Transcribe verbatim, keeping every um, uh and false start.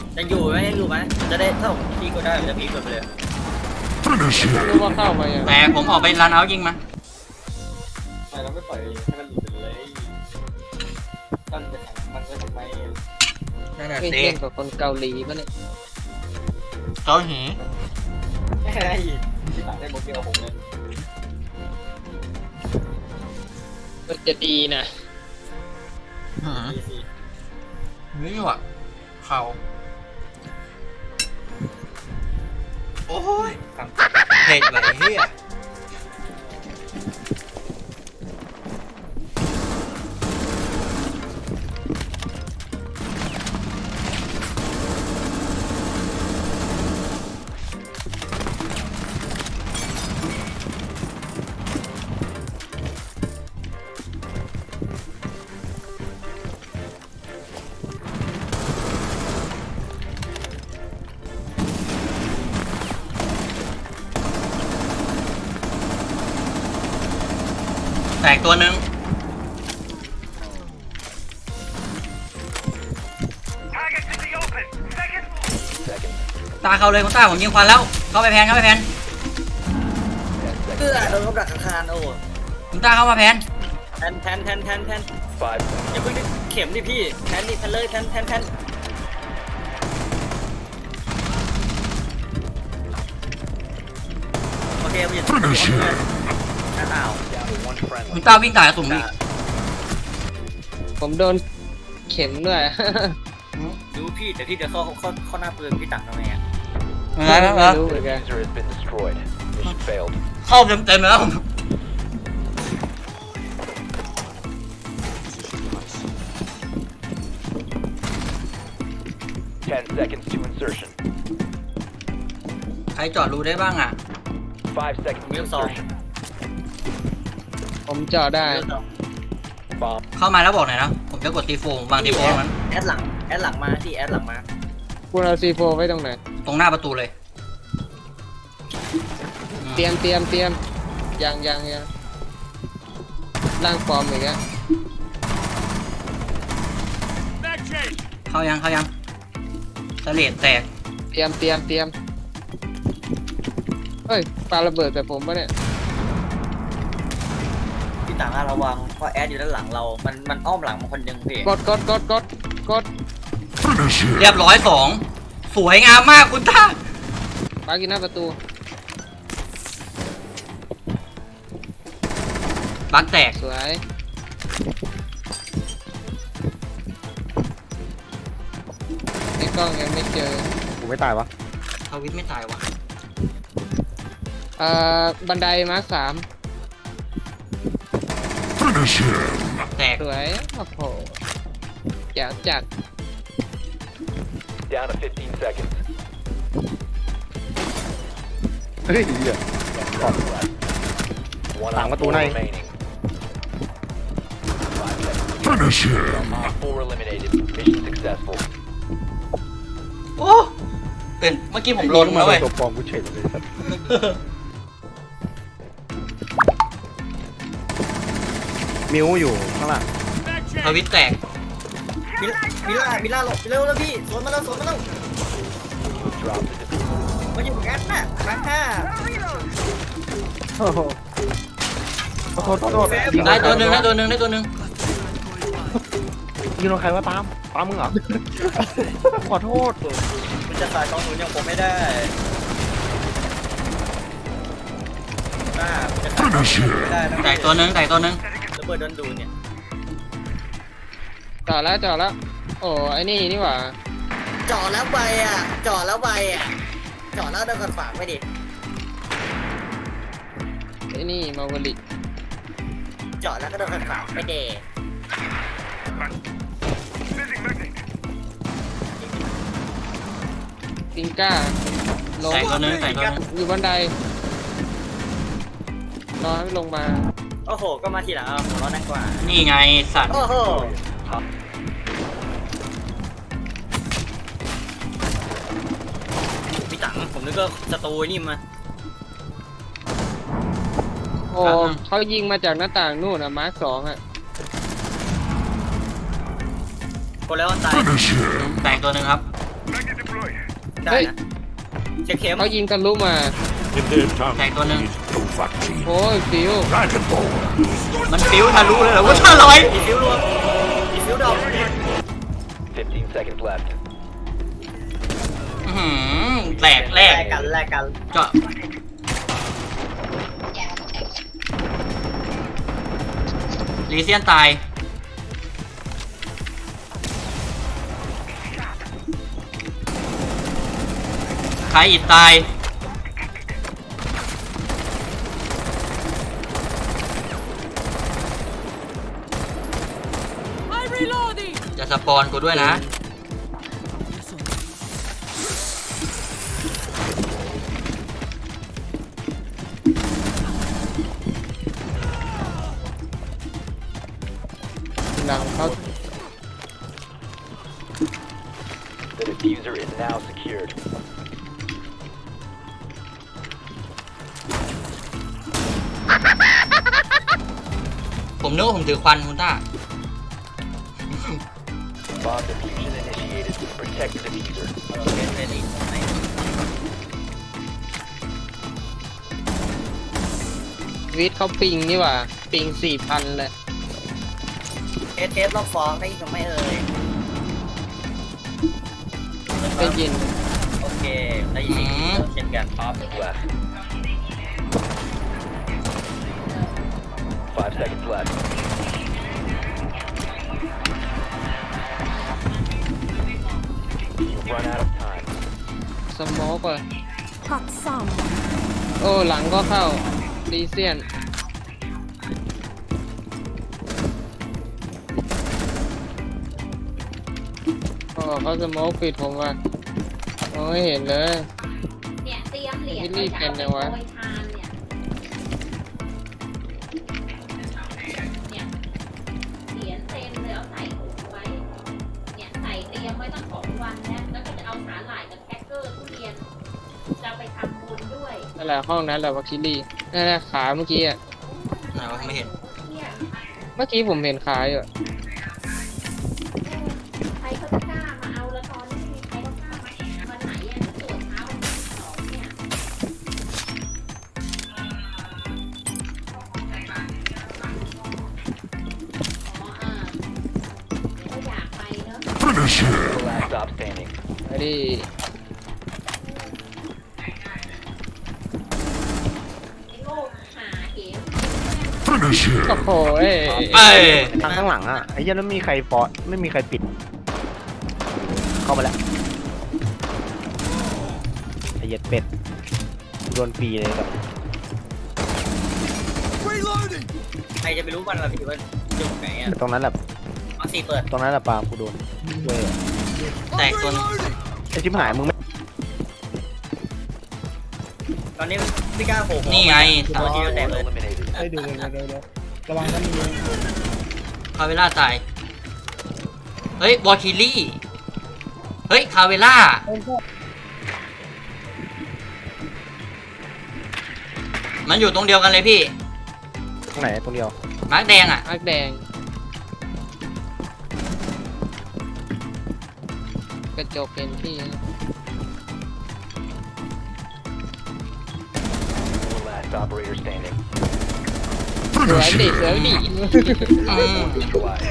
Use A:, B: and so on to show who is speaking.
A: ยังอยู่ไหมยังอยู่ไหมจะได้ถ้าผมพีก็ได้จะพีกดไปเลย
B: รู้ว่าเข้ามาอย่าง
C: แต่ผมออกไปรันเอายิงมา
A: ทำไมเราไม่ปล่อยให้มันหลุดไปเลยมันจะแข่งมันก็ทำไม
C: นั่นแหละ
B: ไม่
C: สิ
B: เล่นกับคนเกาหลีปะเนี่ย
C: เกาหลี
A: ไอ้ที่ต่างได้โมเดลผมเลย
B: มันจะดีนะ
C: หืม
A: ดีสิ
C: นี่ว่ะเข่าโอ้ยเผ็ดไหลเฮียแตกตัวหนึ่งตาเข้าเลยคุณตาผมยิงควันแล้วเข้าไปแพนเข้าไปแพน
A: เพื่อโดนกำดักคานโอ้
C: คุณตาเข้ามาแพน
A: แทนแทนแทนแทนแทนอย่าเพิ่งดิเข็มดิพี่แทนดิแทนเลยแทนแทนแทนโอเคผมหยุดอ้าว
C: คุณตาวิ่งตายกระสุนอีก
B: ผมโดนเข็มด้วย
A: ดูพี่แต่พี่จะเข้าเข้าเข้าหน้าปืนพี่ต่างทำไมอ่ะ
C: อะไรนะ
B: ไม่รู้เหมือนกัน
D: User has been destroyed. Mission failed.
C: เข้าเต็มเต็มๆแล้ว
D: Ten seconds to insertion.
C: ใครจอดรูได้บ้างอ่ะ
D: Five seconds to insertion.
B: ผมเจาะได้
D: Bomb.
C: เข้ามาแล้วบอกหน่อยนะ ผมจะกดตีโฟมวางตีโฟมมัน
A: แอดหลังแอดหลังมาที่แอดหลังมา
B: คุณเอาซีโฟไว้ตรงไหน
C: ตรงหน้าประตูเลย
B: เตรียมเตรียมเตรียมยังยังยังร่างฟอร์มอีกแล้ว
C: เข้ายังเข้ายังสะเลดแตก
B: เตรียมเตรียมเตรียมเฮ้ยปาระเบิดแต่ผมปะเนี่ย
A: พี่ต่างระวังเพราะแอดอยู่ด้านหลังเรา มันมันอ้อมหลังมาคนหนึ่งพี่
B: กดกดกดกดกด
C: เรียบร้อยสองสวยงามมากคุณตา
B: ปากินหน้าประตู
C: บักแตก
B: สวยในกล้องยังไม่เจอ
E: กูไม่ตายวะ
C: ทวิตไม่ตายวะ
B: เอ่อบันไดมาร์คสาม
C: แตก
B: สวยโอ้โหแจ๋วจัด
D: Down to fifteen seconds.
E: เฮ้ยเหี้ย
D: One
E: Tạm
D: on
E: có tủ
D: four
E: này.
D: remaining. Five seconds. Op four eliminated. Mission successful.
C: โอ้เป็นเมื่อกี้ผมลน
E: มา
C: แล้วเว้ย
E: ตัวปลอมกูเฉยเลยสัตว์มิวอยู่ข้างหลัง
C: ทวิตแตก
A: มิลมิล่ามิล่าหลบเร็วแล้วพี่สวนมาแล้วสวนมาแล้ว
D: Drop the diffuser.
A: มาอยู่กับแอดน่ะมาห้า
E: โอ้โหโทษโทษโทษ
C: ได้ตัวหนึ่งได้ตัวหนึ่งได้ตัวหนึ่ง
E: ยิงโดนใครว่าตามตามมึงเหรอ ขอโทษ
A: มันจะสายกองหนุนอย่างผมไม่ได้หน้ามันจะสายกองหนุนไม่ได้นะ
C: แตกตัวหนึ่งแตกตัวหนึ่ง
A: ระเบิดโดนดูดเนี่ย
B: จอดแล้วจอดแล้ว โอ้ไอ้นี่นี่หว่า
A: จ่อแล้วใบอ่ะจ่อแล้วใบอ่ะจ่อแล้วเดินกันฝากไม่ดิ
B: ไอ้นี่มาวลิ
A: จ่อแล้วก็เดินกันฝากไม่เด
B: ติงก้าลง
C: แตกตัวหนึ่งแตกตัวหนึ่ง
B: อยู่บันไดรอให้ลงมา
A: โอ้โหก็มาทีหลังเอาผมรอนั่งกว่า
C: นี่ไงสัตว์
A: โอ้โหพี่ตังผมนึกว่าสตูนี่มา
B: โอ้เขายิงมาจากหน้าต่างนู่นอะมาร์คสองอะ
A: กดแล้วตาย
C: แตกตัวหนึ่งครับ
A: โ
C: ได้นะเช็คเข็ม
B: เขายิงทะลุมา
F: In their tongue,
C: Tag tuần nè.
F: is Dovahkiin.
B: โอ้ยฟิว
F: Dragon Ball.
C: มันฟิวทะลุเลยเหรอว่าห้าร้อยอีฟิวรวมอีฟิวดอก
D: fifteen seconds left.
C: อื้อหือแหลกแหลก
A: กันแลกกัน
C: เจาะลีเซียนตายใครอิดตายจะสปอนกูด้วยนะ
B: หลังเขา
D: The diffuser is now secured.
C: ผมนึกว่าผมถือควันคุณต้า
D: Bomb diffusion initiated. Protect the diffuser.
B: วิทย์เขาปิงนี่หว่า ปิงสี่พันเลย
A: เทสเทสรอบฟ้องได้ยินหรือไม่เอ่ย
B: ได้ยิน
A: โอเคได้ยินเช่นกันครับ
D: Left. Five seconds left. You've run out of time.
B: สโมกอ่ะ
G: Got some.
B: โอ้หลังก็เข้าดีเซียนโอ้เขาสโมกปิดผมว่ะมองไม่เห็นเลย
G: เนี่ยเตรียมเหรียญ
B: รีบเป็นจังวะ
G: โปรยทานเนี่ยเนี่ยเหรียญเต็มเลยเอาใส่ถุงไว้ เนี่ยใส่เตรียมไว้ตั้งสองวันแล้วแล้วก็จะเอาสาหร่ายกับแครกเกอร์ทุเรียนจะไปทำบุญด้วย
B: นั่นแหละห้องนั้นแหละวัคคิลี่นั่นแหละขาเมื่อกี้อ่ะ
C: ไหนวะไม่เห็น
G: เนี่ย
B: เมื่อกี้ผมเห็นขาอยู่อะ
G: ใครเขาจะกล้ามาเอาแล้วตอนนี้ไม่มีใครเขากล้ามาวันไหนอ่ะตรวจเช้าวันที่สองเนี่ยอ๋ออ่าก็อยากไปเนอะ
F: Finish him.
D: The last stop standing.
B: ไอ้ดิ
G: ไอ้โง่หาเหว
F: Finish
B: โอ้
F: him.
B: โหเอ้ย
C: เอ้ย
E: ทางข้างหลังอ่ะไอ้เหี้ยแล้วไม่มีใครฟอไม่มีใครปิด เข้ามาแล้วไอ้เหี้ยเป็ดโดนปีเลยแบบ
A: ใครจะไปรู้วันละพี่ว่าจุดไหนอ่ะ
E: ตรงนั้นแหละ
A: มาสี่เปิด
E: ตรงนั้นแหละปาล์มกูโดนเว้ย
C: แตกตัวนึง
E: ไอ้ชิบหายมึงไม่
A: ตอนนี้พี่กล้าโผล่
C: นี่ไง
A: ตัวทีแตกเลย
D: Eliminated.
E: เฮ้ยดูเลยเดี๋ยวเดี๋ยวระวังนะมี
C: คาเวล่าตาย เฮ้ย วอลคิลี่ เฮ้ย คาเวล่า มันอยู่ตรงเดียวกันเลยพี่
E: ตรงไหนตรงเดียว
C: มาร์กแดงอ่ะ
B: อักแดง กระจกเห็นที่
D: Last operator standing.
B: สวยดิสวยดิ
C: อืม
D: Neutralized.